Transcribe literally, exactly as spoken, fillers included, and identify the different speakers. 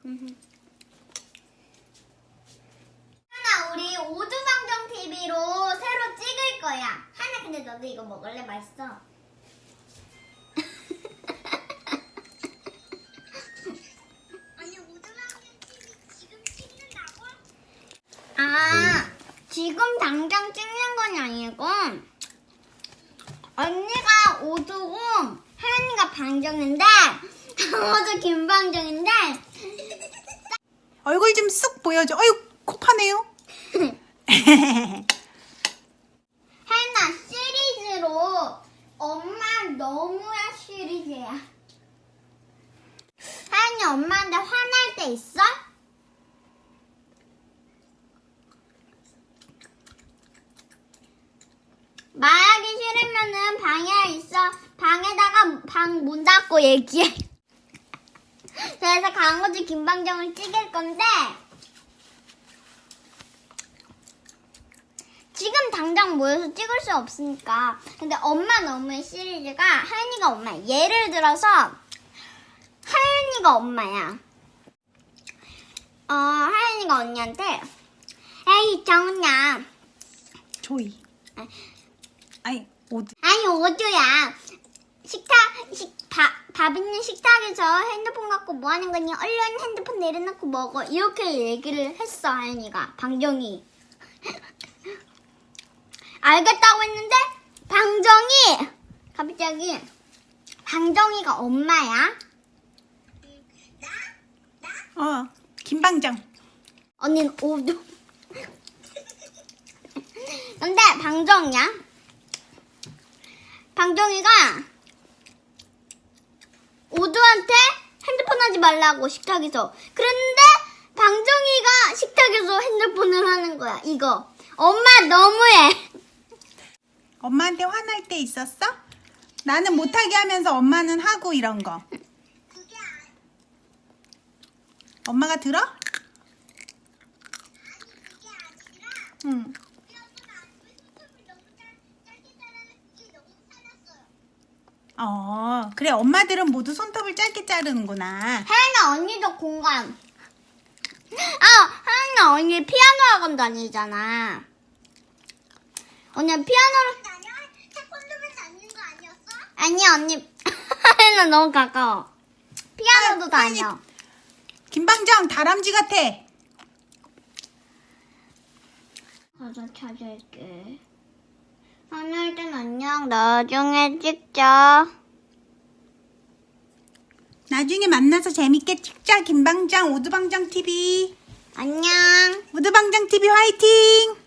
Speaker 1: 하나 우리 오두방정 티비로 새로 찍을 거야. 하나 근데 너도 이거 먹을래? 맛있어. 아니 오두방정 티비 지금 찍는다고? 아 지금 당장 찍는 건 아니고 언니가 오두고 하연이가 방정인데 강호도 김방정인데
Speaker 2: 얼굴 좀 쑥 보여줘. 어휴, 코 파네요.
Speaker 1: 하연아 시리즈로 엄마 너무야 시리즈야. 하연이 엄마한테 화날 때 있어? 말하기 싫으면은 방에 있어. 방에다가 방 문 닫고 얘기해. 그래서 강호주 김방정을 찍을 건데 지금 당장 모여서 찍을 수 없으니까. 근데 엄마 너무의 시리즈가 하연이가 엄마야. 예를 들어서 하연이가 엄마야. 어 하연이가 언니한테 에이 정은야
Speaker 2: 조이. 아니, 오드.
Speaker 1: 아니 오주야 식탁 식, 밥, 밥 있는 식탁에서 핸드폰 갖고 뭐 하는 거니? 얼른 핸드폰 내려놓고 먹어. 이렇게 얘기를 했어 하연이가. 방정이 알겠다고 했는데 방정이 갑자기 방정이가 엄마야.
Speaker 2: 어, 김방정.
Speaker 1: 언니는 오두. 근데 방정이야. 방정이가 오두한테 핸드폰 하지 말라고 식탁에서. 그런데 방정이가 식탁에서 핸드폰을 하는 거야. 이거 엄마 너무해.
Speaker 2: 엄마한테 화날 때 있었어? 나는 못하게 하면서 엄마는 하고 이런 거. 엄마가 들어? 응. 어, 그래. 엄마들은 모두 손톱을 짧게 자르는구나.
Speaker 1: 하연아 언니도 공감. 아 하연아 언니 피아노 학원 다니잖아. 언니 피아노를 태권도만 다니는 거 아니었어? 아니야 언니. 하연아 너무 가까워. 피아노도
Speaker 2: 하연,
Speaker 1: 다녀.
Speaker 2: 김방정 다람쥐 같아.
Speaker 1: 가서 찾을게. 하늘 땐 안녕. 나중에 찍자.
Speaker 2: 나중에 만나서 재밌게 찍자. 김방정 오두방정 티비.
Speaker 1: 안녕.
Speaker 2: 오두방정 티비 화이팅.